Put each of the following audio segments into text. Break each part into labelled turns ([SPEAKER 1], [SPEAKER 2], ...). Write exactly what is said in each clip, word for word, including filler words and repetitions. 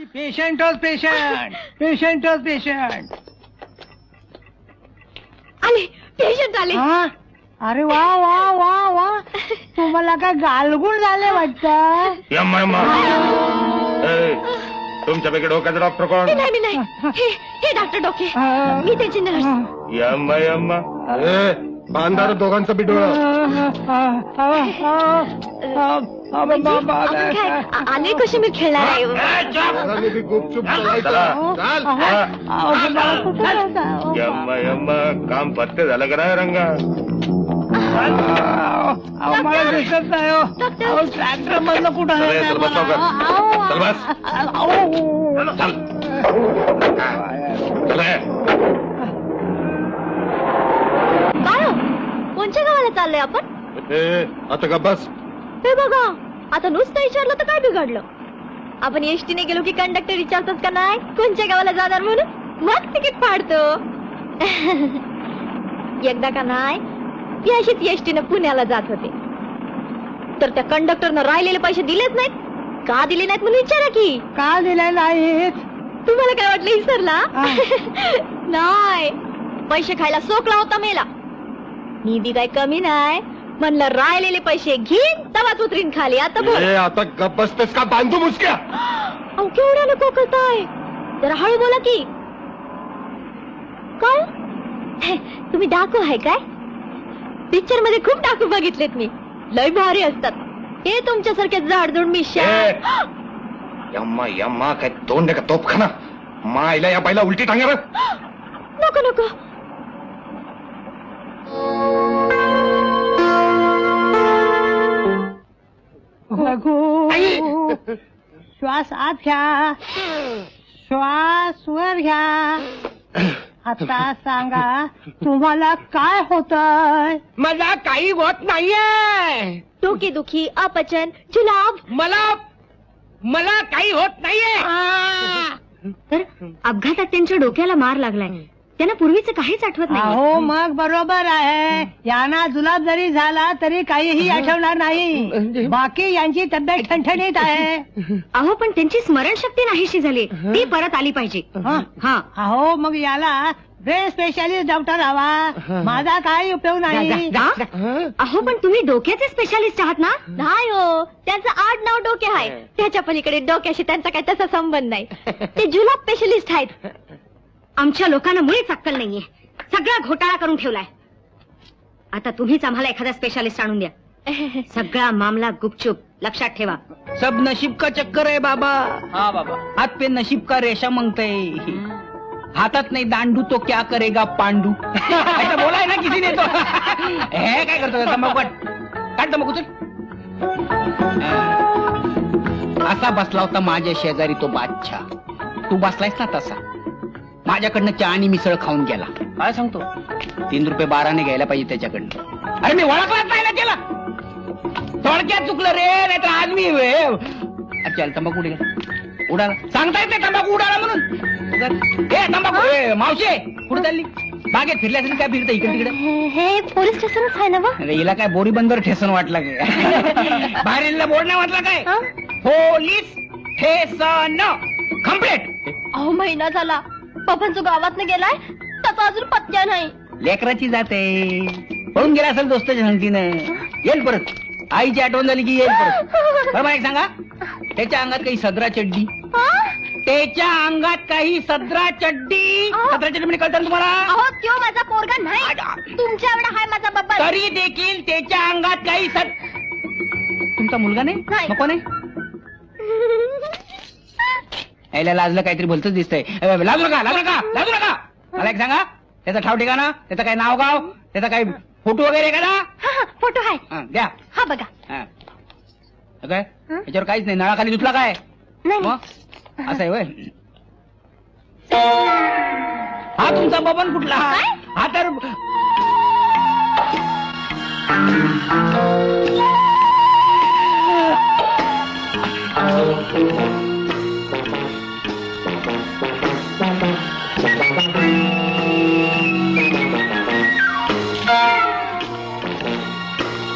[SPEAKER 1] पेशंटच patient पेशंटच patient
[SPEAKER 2] आले patient आले.
[SPEAKER 1] अरे वा वा वा वा तुम्हाला काय गालगुण झाले वाटतं.
[SPEAKER 3] तुमच्यापैकी डोक्याचा डॉक्टर कोण?
[SPEAKER 2] नाही नाही हे हे डॉक्टर डोके, मी त्याची नर्स.
[SPEAKER 3] यम्मा यम्मा बांधार दोघांचं बी डोळं.
[SPEAKER 2] आले कसे मी खेळणार आहे.
[SPEAKER 3] यम्मा यम्मा काम पत्ते झालं का नाही रंगा?
[SPEAKER 1] मला दिसत नाही. ट्रॅक्टर मधलं कुठं आहे?
[SPEAKER 2] कोणत्या गावाला चाललोय आपण?
[SPEAKER 3] आता का बस.
[SPEAKER 2] हे बघा आता नुसतं विचारलं तर काय बिघडलं. आपण एसटीने गेलो की कंडक्टर विचारतात का नाही कोणत्या गावाला जाणार म्हणून, मग तिकीट फाडतो. एकदा का नाही मी अशीच एसटीने पुण्याला जात होते, तर त्या कंडक्टरनं राहिलेले पैसे दिलेच नाहीत. का दिले नाहीत म्हणून विचारा की.
[SPEAKER 1] का दिले नाहीत?
[SPEAKER 2] तुम्हाला काय वाटलं विसरला? नाही, पैसे खायला सोकला होता मेला. मी बी काय कमी नाही म्हणलं, राहिलेले पैसे घेईन तवाच उतरीन खाली. आता बोल.
[SPEAKER 3] आता गप बसतेस का बांधू मुसक्या?
[SPEAKER 2] अहो केवढ्यानं कोकळताय, जरा हळू बोला की. काय तुम्ही डाकू आहे काय? पिक्चर मध्ये खूप डाकू बघितलेत मी, लय भारी असतात. हे तुमच्यासारखे जाडजूड मिशा.
[SPEAKER 3] यम्मा यम्मा काय तोंड का तोपखाना. मायला या बाईला उलटी टांग्यावर.
[SPEAKER 2] नको नको.
[SPEAKER 1] श्वास आत घ्या, श्वास वर घ्या. आता सांगा तुम्हाला काय होतंय?
[SPEAKER 4] मला काही होत नाहीये.
[SPEAKER 2] डोकेदुखी, अपचन, जुलाब.
[SPEAKER 4] मला मला काही होत नाहीये.
[SPEAKER 2] तर अपघातात त्यांच्या डोक्याला मार लागलाय, त्यांना पूर्वीचं काहीच आठवत नाही.
[SPEAKER 1] हो मग बरोबर आहे. यांना जुलाब जरी झाला तरी काहीही आठवणार नाही. बाकी यांची तब्येत ठणठणीत आहे.
[SPEAKER 2] अहो पण त्यांची स्मरणशक्ती नाहीशी झाली, ती परत आली पाहिजे. हा
[SPEAKER 1] अहो मग याला ब्रेन स्पेशालिस्ट डॉक्टर हवा. माझा काही उपयोग नाही.
[SPEAKER 2] अहो पण तुम्ही डोक्याचे स्पेशालिस्ट आहात ना? नाही हो, त्यांचं आड नाव डोके आहे. त्याच्या पलीकडे डोक्याशी त्यांचा काही तसा संबंध नाही. ते जुलाब स्पेशलिस्ट आहेत. आमच्या लोकांना मुळीच अक्कल नाहीये, सगळा घोटाळा करून ठेवलाय. आता तुम्हीच आम्हाला एखादा स्पेशालिस्ट आणून द्या. सगळा मामला गुपचूप लक्षात ठेवा.
[SPEAKER 4] सब नशीब का चक्कर है बाबा. हाँ बाबा. हाथ पे नशीब का रेशा मांगते. हातात नाही दांडू तो क्या करेगा पांडू. ऐसा बोला है ना किसी ने तो. हे काय करतो तंबाखू काट काट तंबाखू चल. असा बसला होता माझ्या शेजारी तो बादशाह. तू बसलायस ना तसा. माझ्याकडनं चहा आणि मिसळ खाऊन गेला. काय सांगतो? तीन रुपये बाराने घ्यायला पाहिजे त्याच्याकडनं. अरे मी ओळखलाच नाही ना त्याला. थोडक्यात चुकलं रे, नाही तर आज मी. चल तंबाखू उडाला उडाला सांगता येत नाही तंबाखू उडाला म्हणून. हे तंबाखू मावशे कुठे चालली? बागेत फिरल्या काय फिरतं इकडे तिकडे?
[SPEAKER 2] हे पोलीस स्टेशनच आहे ना?
[SPEAKER 4] अरे हिला काय बोरी बंदर ठेसन वाटला काय? बाहेर बोर्ड नाही वाटला काय? पोलीस ठेसन कम्प्लीट.
[SPEAKER 2] अहो महिना झाला पप्पांचं गावात गेलाय, त्याचा अजून पत्त्या नाही.
[SPEAKER 4] लेकराची जाते पळून गेला असेल दोस्ताच्या संगतीनं. येईल परत. आईची आठवण झाली की येईल परत. बरोबर एक सांगा, त्याच्या अंगात काही सदरा चड्डी. त्याच्या अंगात काही सदरा चड्डी. सदरा चड्डी म्हणजे कळतं तुम्हाला?
[SPEAKER 2] अहो त्यो माझा पोरगा नाही, तुमच्या एवढा हाय माझा बाबा.
[SPEAKER 4] तरी देखील त्याच्या अंगात काही सद. तुमचा मुलगा नाही? नको नाही. यायला लाजलं काहीतरी भलतच दिसतंय. लाजू नका लाजू नका लाजू नका. मला एक सांगा, त्याचा ठाव ठिकाणा, त्याचं काही नाव गाव, त्याचा काही फोटो वगैरे का?
[SPEAKER 2] फोटो आहे
[SPEAKER 4] द्या.
[SPEAKER 2] हा बघा.
[SPEAKER 4] काय याच्यावर काहीच नाही. नळाखाली धुतला काय? असं आहे वय. हा तुमचा बबन कुठला? हा तर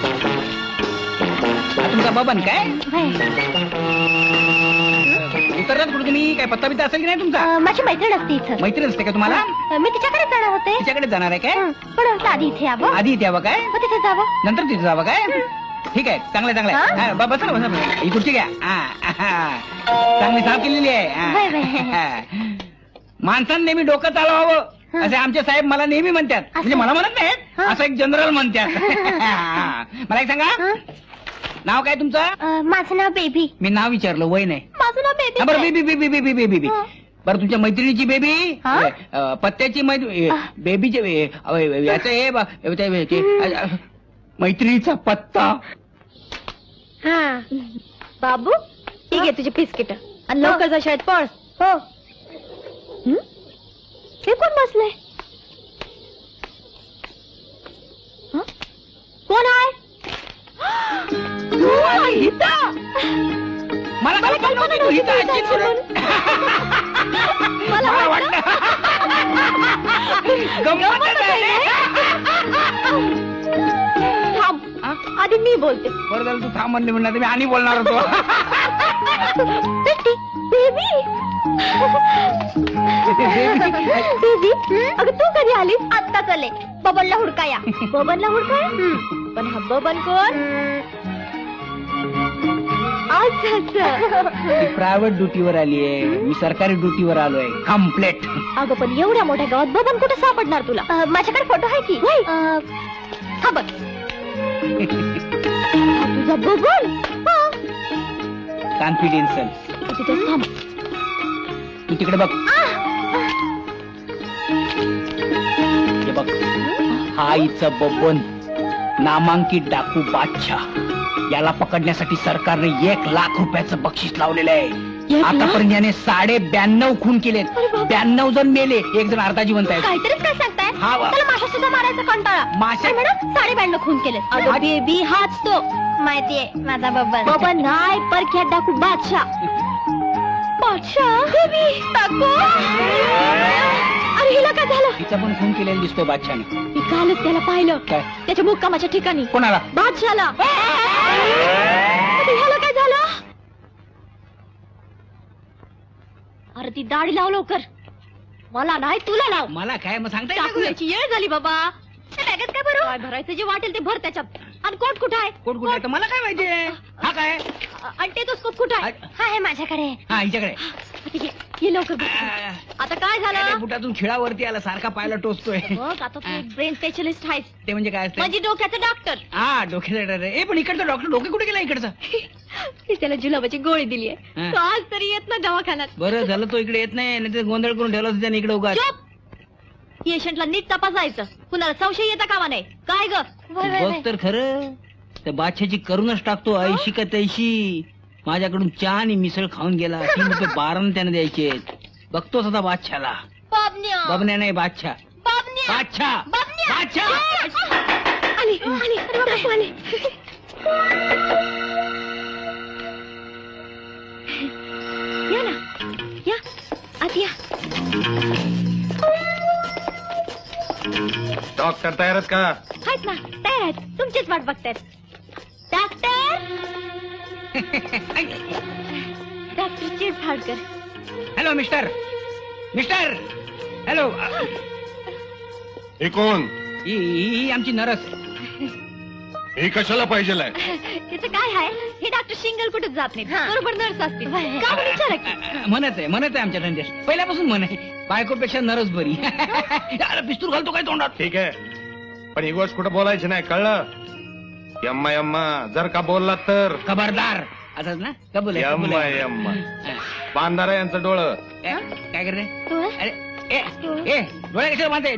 [SPEAKER 4] तुमचा बबन काय? उतरलात कुठे तुम्ही? काय पत्ता बित्ता असेल की नाही तुमचा?
[SPEAKER 2] अं, माझी मैत्रीण असते इथं.
[SPEAKER 4] मैत्रीण असते का तुम्हाला?
[SPEAKER 2] अं, मी तिच्याकडे जाणार होते.
[SPEAKER 4] तिच्याकडे जाणार आहे काय?
[SPEAKER 2] हं, पण म्हटलं आधी इथे यावं,
[SPEAKER 4] आधी इथे यावं काय?
[SPEAKER 2] मग तिथे जावं.
[SPEAKER 4] नंतर तिथे जावं काय? ठीक आहे, चांगलं आहे, चांगलं आहे.
[SPEAKER 2] हा?
[SPEAKER 4] हा, ब- बसा ना, बसा बसा. ही खुर्ची घ्या. हा, हा. चांगली साफ केलेली आहे.
[SPEAKER 2] Bye, bye.
[SPEAKER 4] हा. माणसानं नेहमी डोकं चालवावं असे आमचे साहेब मला नेहमी म्हणतात. म्हणजे मला म्हणत नाहीत,
[SPEAKER 2] हा.
[SPEAKER 4] असं एक जनरल म्हणतात. हा. मला एक सांगा,
[SPEAKER 2] हं?
[SPEAKER 4] नाव काय तुमचं?
[SPEAKER 2] अं, माझं नाव बेबी.
[SPEAKER 4] मी नाव विचारलं, वय नाही.
[SPEAKER 2] माझं नाव
[SPEAKER 4] हा,
[SPEAKER 2] बेबी.
[SPEAKER 4] बरं baby baby baby baby baby
[SPEAKER 2] हं.
[SPEAKER 4] बरं तुमच्या मैत्रिणीची बेबी,
[SPEAKER 2] हा?
[SPEAKER 4] अ, पत्त्याची मैत्री,
[SPEAKER 2] आ.
[SPEAKER 4] बेबीचे ए, अ, याचं हे ब- ते- ते- अ, अ, मैत्रिणीचा पत्ता.
[SPEAKER 2] हा बाबू, ठीक आहे तुझे बिस्किट आणि लवकर जा शाळेत पळ. हो. हं? हे कोण बसलंय? हं? कोण आहे? तू आहे इथं?
[SPEAKER 4] मला
[SPEAKER 2] मला
[SPEAKER 4] कल्पना नव्हती तू
[SPEAKER 2] नव्हती
[SPEAKER 4] इथं
[SPEAKER 2] तू
[SPEAKER 4] असशील
[SPEAKER 2] इथं
[SPEAKER 4] म्हणून.
[SPEAKER 2] मला
[SPEAKER 4] मला
[SPEAKER 2] वाटलं.
[SPEAKER 4] गंमतच आहे.
[SPEAKER 2] थांब, आधी मी बोलते.
[SPEAKER 4] बरं झालं तू थांब म्हणले म्हणणार, मी आणि बोलणार होतो.
[SPEAKER 2] बेटी, बेबी. बेबी, अगं तू कधी आलीस? आत्ता चले. बबनला हुडकाया. बबनला हुडकाया? पण हा बबन कोण?
[SPEAKER 4] ती प्रायव्हेट ड्युटीवर आली आहे, मी सरकारी ड्युटीवर आलोय. कम्प्लेट.
[SPEAKER 2] अगं पण एवढ्या मोठ्या गावात बबन कुठे सापडणार तुला? माझ्याकडे फोटो आहे की. हा बघ. हा तुझा बबन.
[SPEAKER 4] कॉन्फिडेन्शियल.
[SPEAKER 2] तिथे थांब.
[SPEAKER 4] तू तिकडे बघ. हे बघ, हा इचं बबन, नामांकित डाकू बादशाह. याला पकडण्यासाठी सरकारने एक लाख रुपयाचं बक्षीस लावलेलं आहे.
[SPEAKER 2] एक लाख?
[SPEAKER 4] आतापर्यंत याने साडे ब्याण्णव खून केलेत.
[SPEAKER 2] अरे बाप.
[SPEAKER 4] ब्याण्णव जण मेले, एक जण अर्धा जिवंत आहे.
[SPEAKER 2] काहीतरीच काय सांगताय?
[SPEAKER 4] हा वा.
[SPEAKER 2] त्याला माशा सुद्धा मारायचा कंटाळा.
[SPEAKER 4] माशा?
[SPEAKER 2] काय मॅडम, साडे ब्याण्णव खून केले. अगं बेबी, हाच तो. माहितीये माझा बबन. बबन नाही, परख्या डाकू बादशाह. बादशाह? बेबी, टाकू. अरे हिला काय झालं?
[SPEAKER 4] तिचा पण खून केलेला दिसतोय बादशाने.
[SPEAKER 2] मी कालच त्याला पाहिलं.
[SPEAKER 4] काय?
[SPEAKER 2] त्याच्या मुक्कामाच्या ठिकाणी.
[SPEAKER 4] कोणाला?
[SPEAKER 2] बादशाला. ह्याला काय झालं? अरे ती दाढी लाव लवकर. मला नाही, तुला लाव.
[SPEAKER 4] मला काय मग सांगता येत
[SPEAKER 2] टाकू
[SPEAKER 4] नाही.
[SPEAKER 2] याची येळ झाली बाबा. त्या बॅगेत काय भरू? काय भरायचं जे वाटेल ते भर त्याच्यात. आणि कोट कुठं आहे?
[SPEAKER 4] कोण कुठे आहे तर मला काय माहितीये. हा काय?
[SPEAKER 2] अ- आणि टेटोस्कोप कुठं आहे?
[SPEAKER 4] आ-
[SPEAKER 2] हा आहे माझ्याकडे.
[SPEAKER 4] हा हिच्याकडे.
[SPEAKER 2] ठीक आहे, ये लवकर बघ. आता काय झालं?
[SPEAKER 4] बुटातून खिळावरती आला, सारखा पायला टोचतोय.
[SPEAKER 2] बघ आता तू ब्रेन स्पेशलिस्ट आहेस,
[SPEAKER 4] ते म्हणजे काय असतं?
[SPEAKER 2] म्हणजे डोक्याचं डॉक्टर.
[SPEAKER 4] हा डोक्याचा डर आहे. ए पण इकडचा डॉक्टर डोके कुठे गेला इकडचा?
[SPEAKER 2] मी त्याला जुलाबाची गोळी दिली आहे.
[SPEAKER 4] हा.
[SPEAKER 2] तो आज तरी येत ना दवाखान्यात.
[SPEAKER 4] बरं झालं तो इकडे येत नाही, नाही गोंधळ करून ठेवला असता त्याने इकडे उगाच.
[SPEAKER 2] चुप! पेशंटला नीट तपासायचं, कुणाला संशय येता कामा नाही. काय ग?
[SPEAKER 4] बघ तर खरं, त्या बादशाची करूनच टाकतो. ऐशी का तैशी माझ्याकडून चहा आणि मिसळ खाऊन गेला. तीन रुपये बारानं त्याने द्यायचे. बघतोच आता बादशाला.
[SPEAKER 2] बाबन्या,
[SPEAKER 4] बबन्या नाही, बादशाह.
[SPEAKER 2] बाबन्या,
[SPEAKER 4] बादशाह
[SPEAKER 2] बाबन्या.
[SPEAKER 4] बादशाह.
[SPEAKER 2] आली आली, अरे बाबा, आली. या ना, या आत या.
[SPEAKER 3] डॉक्टर तयारच का?
[SPEAKER 2] आहेत ना, तयार आहेत. तुमचीच वाट बघतायत. Doctor, doctor Chirphadkar.
[SPEAKER 4] Hello mister, mister, hello.
[SPEAKER 3] हे कोण?
[SPEAKER 4] ही ही- ही आमची नरस.
[SPEAKER 3] हे कशाला पाहिजे?
[SPEAKER 2] त्याचं काय आहे, हे डॉक्टर शिंगल कुठेच जात नाही, बरोबर नर्स असते. का बरं विचारा की?
[SPEAKER 4] म्हणत आहे म्हणत आहे आमच्या धंद्यात पहिल्यापासून म्हण आहे, बायकोपेक्षा नरस बरी. अरे पिस्तूल घालतो काय तोंडात?
[SPEAKER 3] ठीक आहे, पण ही गोष्ट कुठं बोलायची नाही, कळलं? यम्मा यम्मा जर का बोलला तर
[SPEAKER 4] खबरदार. असंच ना? कबूल आहे, कबूल
[SPEAKER 3] यम्मा
[SPEAKER 4] आहे.
[SPEAKER 3] यम्मा
[SPEAKER 4] हा.
[SPEAKER 3] बांधारा यांचं डोळं.
[SPEAKER 4] ए, काय करते?
[SPEAKER 2] डोळे?
[SPEAKER 4] अरे ए ए डोळे कशाला बांधते?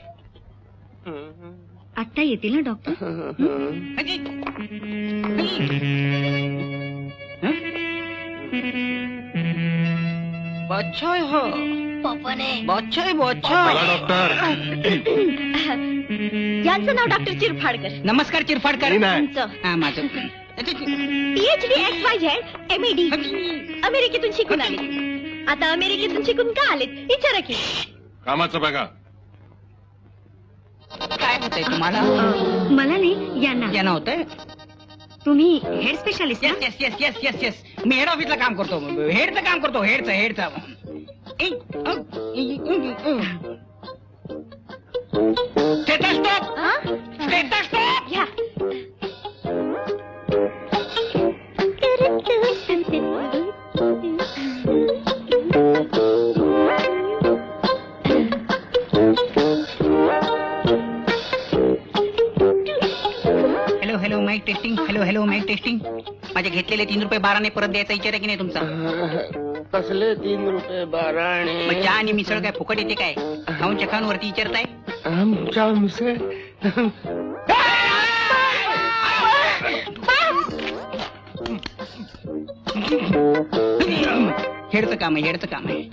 [SPEAKER 2] आत्ता येतील ना डॉक्टर?
[SPEAKER 4] अजी. हं? बादशाह आहे हा.
[SPEAKER 2] पप्पाने.
[SPEAKER 4] बादशाह आहे,
[SPEAKER 3] बोला
[SPEAKER 4] बादशाह.
[SPEAKER 3] डॉक्टर.
[SPEAKER 2] यांचं नाव डॉक्टर चिरफाडकर.
[SPEAKER 4] नमस्कार चिरफाडकर.
[SPEAKER 3] मी नाही.
[SPEAKER 2] तुमचं
[SPEAKER 4] हा माझं.
[SPEAKER 2] PhD X Y Z M D अमेरिकेतून शिकून आले. आता अमेरिकेतून शिकून का आलेत विचारा की.
[SPEAKER 3] कामाचं बघा.
[SPEAKER 4] काय होतंय तुम्हाला?
[SPEAKER 2] मला नाही, यांना.
[SPEAKER 4] यांना होतंय?
[SPEAKER 2] तुम्ही head specialist
[SPEAKER 4] yes yes yes yes yes yes मी हेड ऑफिसला काम करतो, हेडचं काम करतो, हेडचं हेडचं स्टेटस्कोप
[SPEAKER 2] हा?
[SPEAKER 4] स्टेटस्कोप
[SPEAKER 2] घ्या.
[SPEAKER 4] Hello hello mike testing, hello hello mike testing. माझे घेतलेले तीन रुपये बाराने परत द्यायचा विचार आहे की नाही तुमचा?
[SPEAKER 5] कसले तीन रुपये बाराणे?
[SPEAKER 4] मग चहा आणि मिसळ काय फुकट येते काय? खाऊन चखांवरती विचारताय?
[SPEAKER 5] आमच्या मिसळ
[SPEAKER 4] हेडचं काम आहे, हेडचं काम आहे.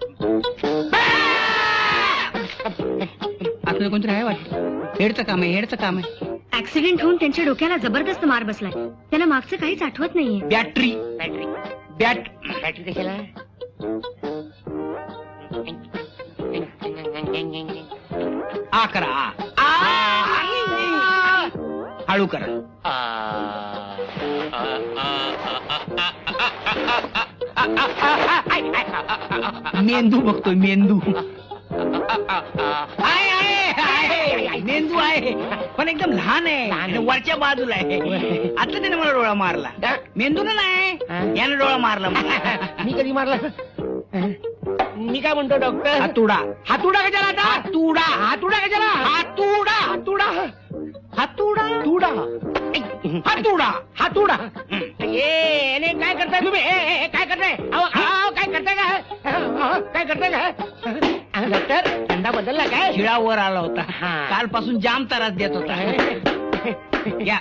[SPEAKER 4] आपलं कोणतरी आहे वाटतं. हेडचं काम आहे, हेडचं काम आहे.
[SPEAKER 2] ऍक्सिडेंट होऊन त्यांच्या डोक्याला जबरदस्त मार बसलाय. त्यांना मागचं काहीच आठवत नाहीये.
[SPEAKER 4] बॅटरी
[SPEAKER 5] बॅटरी
[SPEAKER 4] बॅट
[SPEAKER 5] बॅटरी कशाला?
[SPEAKER 4] आ करा आ. आ. हळू करा. मेंदू बघतोय मेंदू. आहे आहे आहे मेंदू आहे पण एकदम लहान आहे, वरच्या बाजूला आहे. आता त्याने मला डोळा मारला. मेंदूला नाही, याने डोळा मारला मला.
[SPEAKER 5] मी कधी मारला? मी काय म्हणतो डॉक्टर?
[SPEAKER 4] हातुडा
[SPEAKER 5] हातुडा कशाला आता?
[SPEAKER 4] हातुडा
[SPEAKER 5] हातुडा कशाला?
[SPEAKER 4] हातुडा
[SPEAKER 5] हातुडा
[SPEAKER 4] हातुडा
[SPEAKER 5] तुडा
[SPEAKER 4] हातुडा
[SPEAKER 5] हातुडा. ए अरे काय करताय तुम्ही? ए, ए, ए, काय करताय? अहो, अहो, काय करताय काय? अहो, काय करताय काय? अहो, डॉक्टर थंडा बदलला काय?
[SPEAKER 4] शिळावर आला होता.
[SPEAKER 5] हा.
[SPEAKER 4] कालपासून जाम त्रास देत होता. या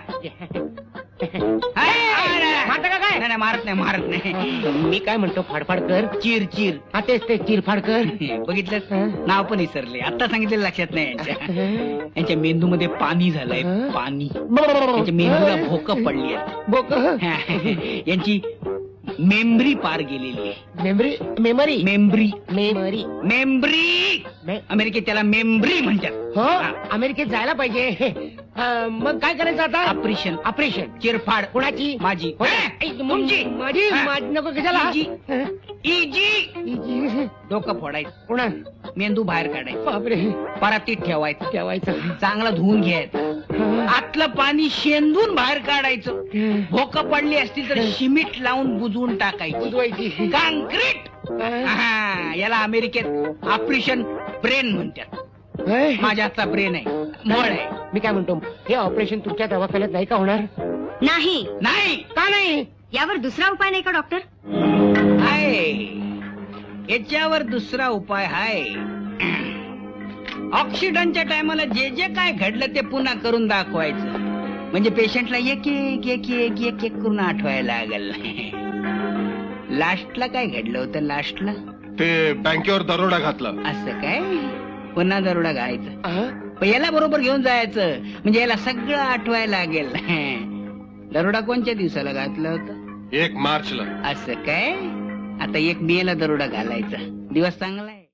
[SPEAKER 5] मारता का काय?
[SPEAKER 4] नाही नाही, मारत नाही मारत नाही.
[SPEAKER 5] मी काय म्हणतो फाडफाड कर.
[SPEAKER 4] चिर चिर
[SPEAKER 5] हा तेच ते चिरफाड कर.
[SPEAKER 4] बघितलं, नाव पण विसरले. आता सांगितलेलं लक्षात नाही यांच्या. यांच्या मेंदूमध्ये पाणी झालंय, पाणी. यांच्या मेंदूला भोकं पडली आहेत.
[SPEAKER 5] बोक
[SPEAKER 4] यांची मेमरी पार गेलेली आहे.
[SPEAKER 5] Memory memory
[SPEAKER 4] memory
[SPEAKER 5] memory
[SPEAKER 4] memory
[SPEAKER 5] मे-
[SPEAKER 4] अमेरिकेत त्याला मेमरी म्हणतात.
[SPEAKER 5] हो अमेरिकेत जायला पाहिजे. अं, मग काय करायचं आता?
[SPEAKER 4] Operation
[SPEAKER 5] operation.
[SPEAKER 4] चिरफाड.
[SPEAKER 5] कोणाची?
[SPEAKER 4] माझी.
[SPEAKER 5] हो.
[SPEAKER 4] ए,
[SPEAKER 5] ऐ,
[SPEAKER 4] तुमची.
[SPEAKER 5] माझी
[SPEAKER 4] हा.
[SPEAKER 5] माझी नको कशाला?
[SPEAKER 4] इजी.
[SPEAKER 5] हं?
[SPEAKER 4] Easy
[SPEAKER 5] easy.
[SPEAKER 4] डोकं फोडायचं,
[SPEAKER 5] कोणा?
[SPEAKER 4] मेंदू बाहेर काढायचं,
[SPEAKER 5] बापरे
[SPEAKER 4] परातीत ठेवायचं,
[SPEAKER 5] ठेवायचं.
[SPEAKER 4] चांगला धुवून घ्यायचं,
[SPEAKER 5] हं.
[SPEAKER 4] आतलं पाणी शेंदून बाहेर काढायचं. भोकं पडली असतील तर शिमीट लावून बुजवून टाकायची.
[SPEAKER 5] बुजवायची.
[SPEAKER 4] काँक्रीट.
[SPEAKER 5] हं.
[SPEAKER 4] हा, याला अमेरिकेत ऑपरेशन ब्रेन म्हणतात.
[SPEAKER 5] होय?
[SPEAKER 4] माझ्या हातचा ब्रेन आहे, मळ आहे.
[SPEAKER 5] मी काय म्हणतो, हे ऑपरेशन तुमच्या दवाखान्यात नाही का होणार?
[SPEAKER 2] नाही.
[SPEAKER 4] नाही
[SPEAKER 5] का नाही?
[SPEAKER 2] यावर दुसरा उपाय नाही का डॉक्टर?
[SPEAKER 4] आहे, याच्यावर दुसरा उपाय आहे. ऑक्सिडंटच्या टायमाला जे जे काय घडलं ते पुन्हा करून दाखवायचं. म्हणजे पेशंटला एक एक एक एक एक एक करून आठवायला लागल. लास्टला काय घडलं होतं? लास्टला
[SPEAKER 3] ते बँकेवर दरोडा घातला.
[SPEAKER 4] असं काय? पुन्हा दरोडा घालायचा.
[SPEAKER 5] अं?
[SPEAKER 4] पण याला बरोबर घेऊन जायचं, म्हणजे याला सगळं आठवायला लागेल. दरोडा कोणत्या दिवसाला घातला होता?
[SPEAKER 3] एक मार्चला.
[SPEAKER 4] असं काय? आता एक मे ला दरोडा घालायचा. दिवस चांगला आहे.